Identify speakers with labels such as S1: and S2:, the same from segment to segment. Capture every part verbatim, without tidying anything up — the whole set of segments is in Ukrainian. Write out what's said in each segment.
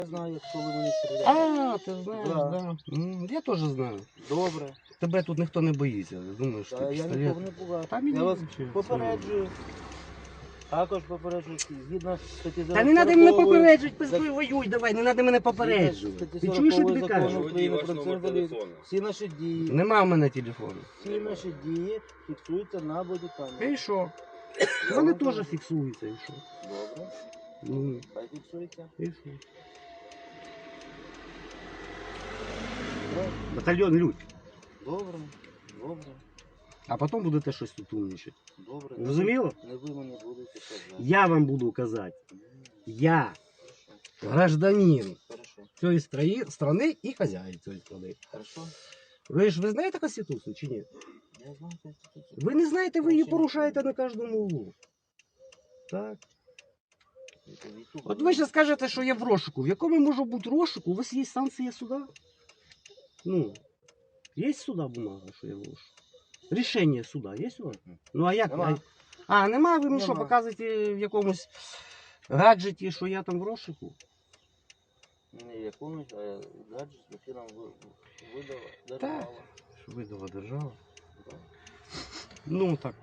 S1: Я знаю, як коли мені стріляють.
S2: А, ти знаєш,
S1: Да.
S2: да. М, Я теж знаю.
S1: Добре.
S2: Тебе тут ніхто не боїться. Я думаю, що
S1: Та
S2: ти
S1: я
S2: пістолет.
S1: нікого не пугаю.
S2: Та мені
S1: Я вас
S2: взагалі
S1: попереджую. Також попереджую, згідно статті
S2: Та не треба мене
S1: сорокової
S2: попереджувати,
S1: зак-
S2: пиздуй, воюй, давай, не треба мене попереджувати.
S1: статті
S2: Ти чуєш, що
S1: сорокової
S2: тобі
S1: закону
S2: кажуть?
S1: України
S3: Ваш
S1: про
S3: номер
S1: національну
S3: телефону.
S1: всі наші дії,
S2: Нема в мене телефону.
S1: всі наші дії фіксуються на бодікамері.
S2: І що?
S1: Я
S2: Вони
S1: вам
S2: теж
S1: кажу.
S2: фіксуються, і що?
S1: Добре,
S2: Ну,
S1: хай фіксується.
S2: і що?
S1: Добре,
S2: Батальйон людь.
S1: добре, добре,
S2: А потім будете щось тут умнічати.
S1: добре.
S2: Зрозуміло?
S1: Не ви мені будете казати.
S2: Я вам буду казати. Я
S1: Хорошо,
S2: гражданин
S1: хорошо,
S2: цієї страї- страни і хазяїн цієї страни.
S1: хорошо.
S2: Ви ж ви знаєте Конституцію чи ні?
S1: Я знаю Конституцію.
S2: Ви не знаєте, ви її порушаєте на кожному углу. Так. От ви ще скажете, що я в розшуку. В якому може бути розшуку? У вас є санкція суда? Ну, є суда бумага, що я в розшуку? Рішення суда є у вас? Ну а як?
S1: Нема.
S2: А, нема, ви мені що,
S1: Нема.
S2: показуєте в якомусь гаджеті, що я там в розшуку?
S1: Не якомусь, а гаджет, який нам ви- видала
S2: Так.
S1: держава.
S2: Що видала держава?
S1: Да.
S2: Ну так.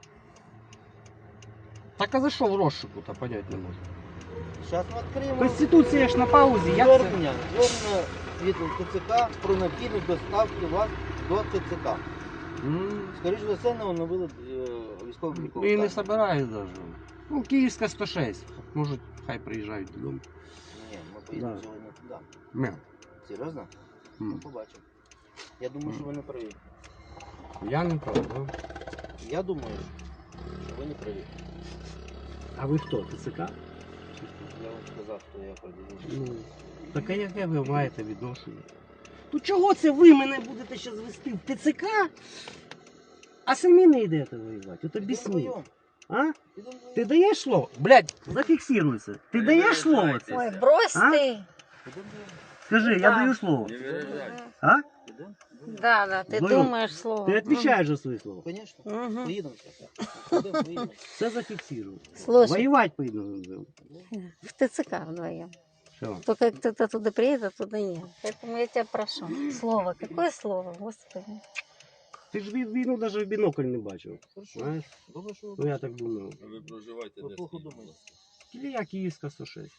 S2: Так а за що в розшуку, то понять не можу.
S1: Зараз ми відкриємо
S2: Конституція ж на паузі, як це?
S1: звернення, звернення від ТЦК про необхідність доставки вас до ТЦК.
S2: М,
S1: Скоріше за все, не оновили е, військовий обліковий
S2: І не
S1: стан.
S2: собираюсь даже. Ну, Київська сто шість. Може, хай приїжджають додому.
S1: Ні, ми поїдемо
S2: Да.
S1: сьогодні туди.
S2: Ме.
S1: Серйозно?
S2: М.
S1: Ну, побачимо. Я думаю, що ви не праві.
S2: Я не правда.
S1: Я думаю, що ви не праві.
S2: А ви хто? ТЦК?
S1: Я вам сказав, хто я продаю.
S2: Ну, так а яке ви маєте відношення? Ну чого це ви мене будете ще звести в ТЦК, а самі не йдете воювати? От об'ясні. А? Ти даєш слово? Блядь, зафіксируйся. Ти даєш слово це?
S4: Ой, брось
S2: А?
S4: ты.
S2: Скажи, я
S4: Да.
S2: даю слово.
S3: Не виражайте.
S2: А?
S4: Да, да, ты
S2: Зоя,
S4: думаешь слово.
S2: Ти відповідаєш за своє слово.
S1: Звісно.
S4: Мгм.
S1: Поїдемо зараз. Поїдемо, поїдемо.
S2: Все зафіксирую.
S4: Слушай,
S2: Воювати поїдемо.
S4: в ТЦК вдвоем.
S2: Все.
S4: Только кто-то туда приедет, туда нет. Поэтому я тебя прошу. Слово. Какое слово, Господи?
S2: Ти ж вій- війну навіть в бінокль не бачив.
S1: Хорошо.
S2: Знаєш?
S1: Добре, що ви
S2: Ну я так думаю.
S3: А ви проживаєте
S1: Ви
S3: де?
S1: плохо
S3: скажіть,
S1: думаєте.
S3: будь ласка?
S2: Кілія Київська сто шість.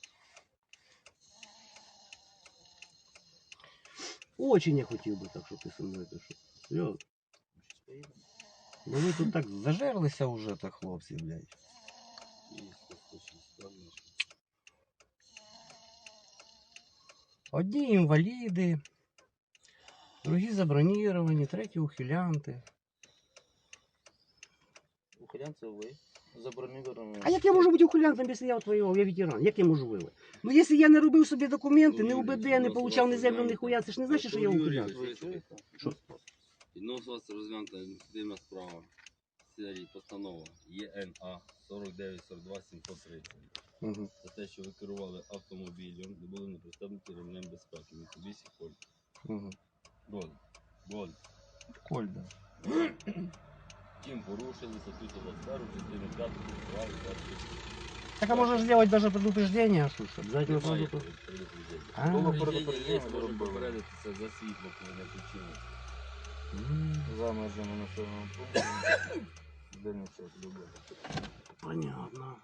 S2: Очень я хотів би так, щоб ти со мною пішов. Серйозно.
S1: Щас поїдемо.
S2: Ну ви тут так зажерлися вже, так хлопці, блядь.
S3: Київська сто шість, правильно?
S2: Одні інваліди, другі заброніровані, треті ухилянти.
S1: Ухилянці ви. Заброньовані.
S2: А як я можу бути ухилянтом, якщо я воював, я ветеран? Як я можу воювати? Ну якщо я не робив собі документи, не УБД, не получав ні землю, ні хуя, це ж не значить, що я ухилянт.
S1: Ви чуєте?
S2: Що?
S3: Відносно вас розглянута адміністративна справа. Серії постанова ЄНА сорок дев'ять сорок два сімсот тридцять.
S2: Угу.
S3: За те, що ви керували автомобілем, не були не пристебнуті ремнем безпеки. Mitsubishi Colt.
S2: Угу.
S3: Gold. Gold.
S2: Кольда.
S3: Чим порушили статтю двадцять першу, частину п'яту, права двадцять.
S2: Так а можешь сделать даже предупреждение, что ж, обязательно
S3: Немає
S2: сразу.
S3: предупреждення.
S1: Було
S3: Предупреждення
S1: предупреждення,
S3: є,
S1: було
S3: можемо
S1: було.
S3: попередитися за світло, коли не включили.
S1: За межами населеного пункту. Дальній час роботи.
S2: Понятно.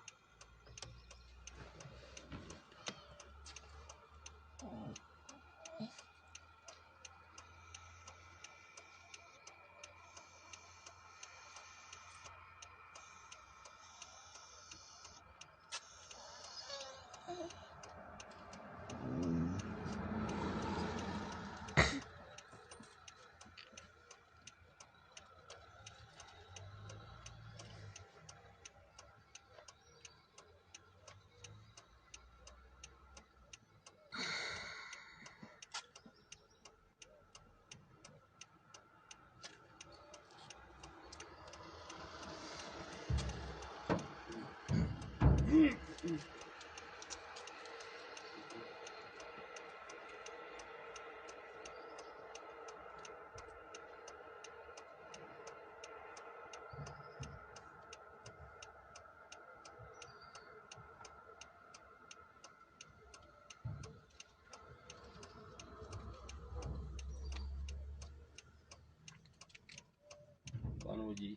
S3: водій.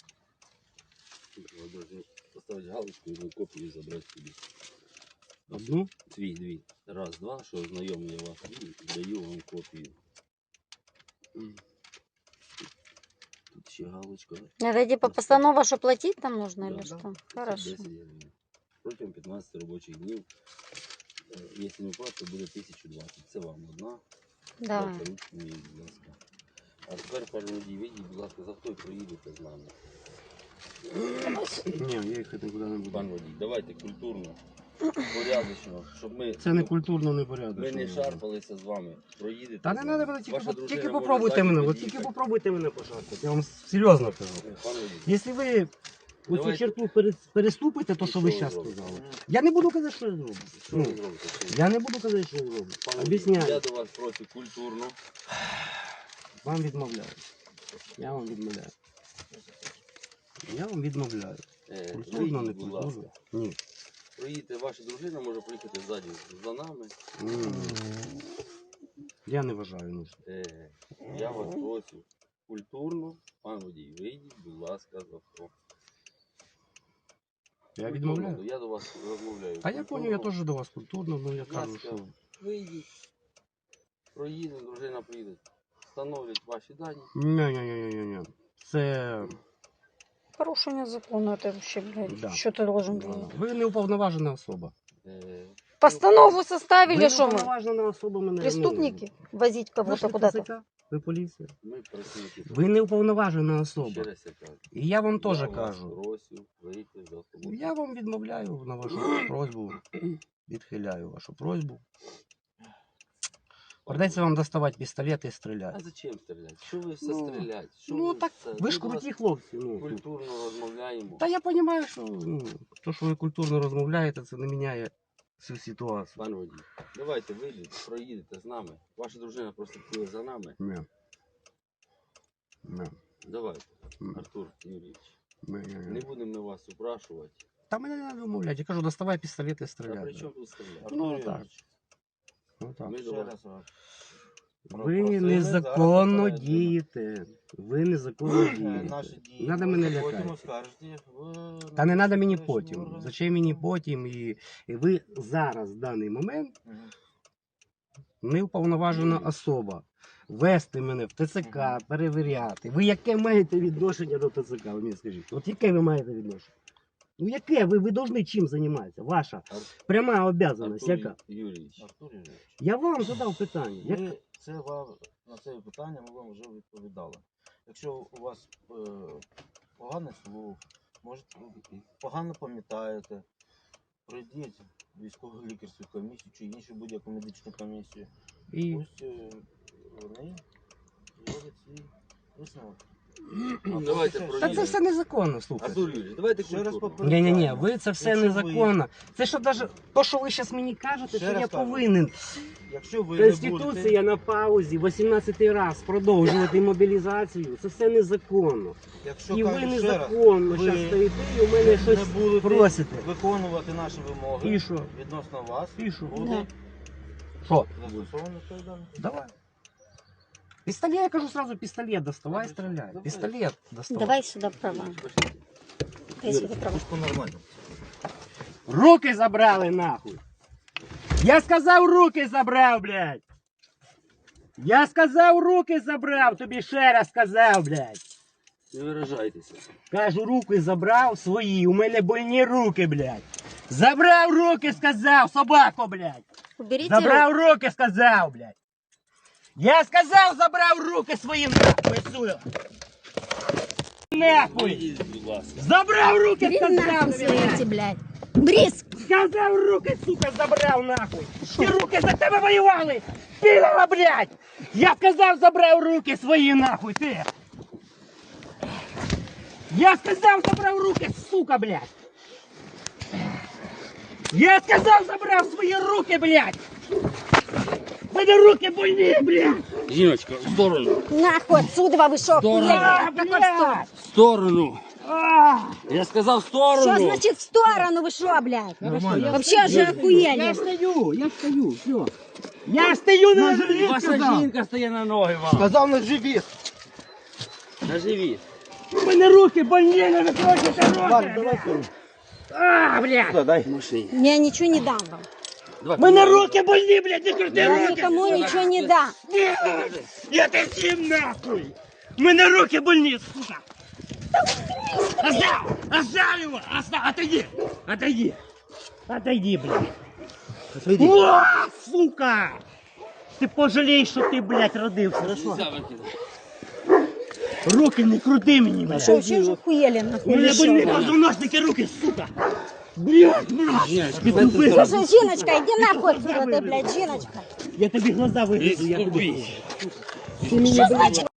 S3: Ви должны поставити галочку і копію забрати собі.
S2: Одну?
S3: Дві, дві. Раз, два, що знайомий я вас і даю вам копію. М. Тут ще галочка.
S4: Это типа постанова, что платить там нужно
S3: Да.
S4: или что?
S3: десять
S4: Хорошо.
S3: гривень. Протягом п'ятнадцяти робочих днів. Е, Якщо не платите, буде тисяча двадцять. Це вам одна.
S4: Да.
S3: Дайте ручку мені, будь ласка. А тепер, пане водій, вийдіть, будь ласка, за авто і проїдете з нами.
S2: Ні, я їхати нікуди не буду.
S3: Пан водій, давайте культурно, порядочно, щоб ми,
S2: Це не культурно, не
S3: ми
S2: порядочно.
S3: не шарпалися з вами. Проїдете.
S2: Та
S3: з
S2: не
S3: нами.
S2: треба мене, тільки,
S3: Ваша
S2: по-
S3: дружина
S2: тільки
S3: може
S2: попробуйте
S3: ззаді
S2: мене, от
S3: під'їхати.
S2: тільки попробуйте мене пошарпати. Я вам серйозно кажу.
S3: Е, Пан водій,
S2: Якщо ви оцю
S3: Давайте.
S2: черту пере- переступите, то
S3: І
S2: що
S3: що
S2: ви
S3: ви
S2: зараз
S3: зробите?
S2: сказали. Я не буду казати, що я зроблю.
S3: що ви
S2: Ну,
S3: зробите? Що ви-
S2: я не буду казати, що я зроблю.
S3: Пан водій,
S2: Об'ясняю.
S3: Я до вас прошу культурно.
S2: Вам відмовляю. Я вам відмовляю. Я вам відмовляю.
S3: Е,
S2: Культурно, не
S3: вийдіть, будь ласка.
S2: культурно. Ні.
S3: Проїдете, ваша дружина може приїхати ззаді за нами.
S2: Ні. Я не вважаю нужним.
S3: Е, Я вас прошу культурно. Пан водій, вийдіть, будь ласка, з авто.
S2: Я
S3: Культурно,
S2: відмовляю.
S3: Я до вас розмовляю.
S2: А я понял, я теж до вас культурно, ну я
S3: Будь
S2: кажу,
S3: ласка,
S2: що
S3: вийдіть. Проїдемо, дружина приїде. Встановлять ваші дані.
S2: ні-ні-ні-ні-ні. Це
S4: Порушение закона, это вообще, блядь,
S2: Да.
S4: что ты должен делать?
S2: ви не уповноважена особа.
S3: Е,
S4: Постанову составили,
S2: Ви
S4: что мы?
S2: уповноважена особа мене.
S4: Преступники? Возить
S2: Ну, ви
S4: кого-то
S2: ж
S4: куда-то?
S2: Т Ц К, ви поліція.
S3: Ми працюємо.
S2: Ви не уповноважена
S3: Ще
S2: особа.
S3: раз я кажу.
S2: І я вам теж
S3: Я вас
S2: кажу.
S3: Прошу вийти з автобусу.
S2: Я вам відмовляю на вашу просьбу. Відхиляю вашу просьбу. Придеться вам доставати пістолет і
S3: А
S2: стріляти.
S3: зачем стріляти? Що ви все
S2: Ну,
S3: стріляти? Що
S2: Ну
S3: ви
S2: так,
S3: все?
S2: ви ж
S3: Ми до вас
S2: круті хлопці. Ну.
S3: Культурно розмовляємо.
S2: Та я розумію, що ну, то, що ви культурно розмовляєте, це не міняє всю ситуацію.
S3: Пан водій, давайте вийдете, проїдете з нами. Ваша дружина просто піде за нами.
S2: Ні. Ні.
S3: Давайте,
S2: Ні.
S3: Артур Юрійович.
S2: Ні, ні,
S3: Не
S2: ні.
S3: будемо ми вас упрашувати.
S2: Та мене не треба умовляти. Я кажу, доставай пістолет і
S3: Та при
S2: стріляй.
S3: чому тут стріляти?
S2: Ну так. Ну, так.
S3: Ми до
S1: Ще
S3: вас.
S1: раз вам.
S2: Ви
S1: Просили,
S2: незаконно
S1: зараз попередили.
S2: дієте. Ви незаконно
S1: Е,
S2: дієте.
S1: Наші дії.
S2: Надо мене
S1: Потім
S2: лякати.
S1: оскаржите в-
S2: Та не треба мені
S1: внутрішні
S2: потім.
S1: органи.
S2: Зачем мені потім? І, і ви зараз, в даний момент,
S1: Мгм.
S2: неуповноважена особа. Вести мене в Т Ц К, перевіряти. Ви яке маєте відношення до Т Ц К? Ви мені скажіть. От яке ви маєте відношення? Ну яке? Ви, ви повинні чим займатися? Ваша
S3: Ар-
S2: пряма обов'язаність
S3: Артур
S2: яка?
S3: Юрійович.
S1: Артур Юрійович,
S2: Я вам задав питання. Як...
S1: ми це вам на це питання ми вам вже відповідали. Якщо у вас е, поганий слух, може погано пам'ятаєте, пройдіть військову лікарську комісію чи іншу будь-яку медичну комісію.
S2: І...
S1: Ось е, вони зроблять свій висновок.
S3: Давайте
S1: Та
S2: Та це
S3: проїдемо.
S2: все незаконно, слухайте.
S3: Артур Юрійович, давайте
S1: Ще раз
S3: культурно.
S1: попереджаю.
S2: Ні, ні, ні, ви це все
S1: Якщо ви-
S2: незаконно. Це що даже то, що ви зараз мені кажете,
S1: Ще
S2: що
S1: раз
S2: я
S1: кажу.
S2: повинен.
S1: Якщо ви не
S2: Конституція
S1: будете,
S2: на паузі вісімнадцятий раз продовжувати мобілізацію. Це все незаконно.
S1: якщо
S2: І ви
S1: кажу ще раз,
S2: незаконно
S1: ви
S2: зараз стоїте і у мене щось
S1: не будете
S2: просите.
S1: виконувати наші вимоги
S2: І що?
S1: відносно вас,
S2: І що?
S1: буде
S2: Що?
S1: застосовано відповідальність.
S2: Давай. Пістолет, я кажу сразу, пістолет доставай,
S1: Давай,
S2: стріляй.
S1: давай.
S2: Пістолет доставай.
S4: Давай сюда права.
S3: Пошліть.
S4: Дай сюда права.
S1: По-нормальному.
S2: Руки забрали нахуй. Я сказав, руки забрав, блядь. Я сказав, руки забрав, тобі ще раз сказав, блядь.
S3: Не виражайтеся.
S2: Кажу, руки забрав свої, у мене больні руки, блядь. Забрав руки, сказав, собако, блядь.
S4: Уберите
S2: Забрав руки, сказав, блядь. Я сказав, забрав руки свої, нахуй, отсюда. Нахуй.
S3: Вийдіть, будь ласка.
S2: Забрав руки,
S4: Бери
S2: сказав,
S4: нахуй свои
S2: блядь.
S4: эти, блядь. Брис!
S2: Сказав, руки, сука, забрав, нахуй. Ті руки за тебе воювали. Підала, блядь. Я сказав, забрав руки свої, нахуй, ти. Я сказав, забрав руки, сука, блядь. Я сказав, забрав свої руки, блядь. Мене руки больні, блядь.
S3: Жіночка, в сторону.
S4: Нахуй отсюда вы шо,
S2: А,
S4: охуели?
S2: блядь.
S3: В сторону.
S2: А.
S3: Я сказав в сторону.
S4: Что значит в сторону вы шо, блядь?
S2: Нормально.
S4: Вообще же
S2: Я
S4: охуели.
S2: стою, я стою, все. Я стою на живіт,
S3: Ваша
S2: сказав.
S3: жінка стає на ноги вам.
S1: Сказав на живіт.
S3: На живіт.
S2: У мене руки больні, не викручуйте
S1: Ладно,
S2: руки!
S1: давай сюди.
S2: А, блядь!
S1: Сюди, дай.
S4: Я ничего не дам вам.
S2: У мене руки больні, блядь, не крути
S4: Я
S2: руки!
S4: никому ничего не дам.
S2: Ні! Я тебе всім нахуй! У мене руки больні, сука! Оставь! Оставь его! Оставь! Отойди! Отойди! Отойди, блядь!
S1: Отойди.
S2: О, сука! Ти пожалієш, що ти, блядь, родився.
S3: Нельзя выкидывать.
S2: Руки не крути мені, блядь!
S4: Что, еще же хуели
S2: У
S4: нахуй?
S2: мене
S4: или
S2: больні
S4: что?
S2: позвоночники, руки, сука! Блядь, блядь! Ти тупий!
S4: Слушай, Жиночка, иди нахуй отсюда, ты, блядь, Жиночка.
S2: Я тобі глаза вигрызу, я тобі...
S3: Искупись.
S4: Что значит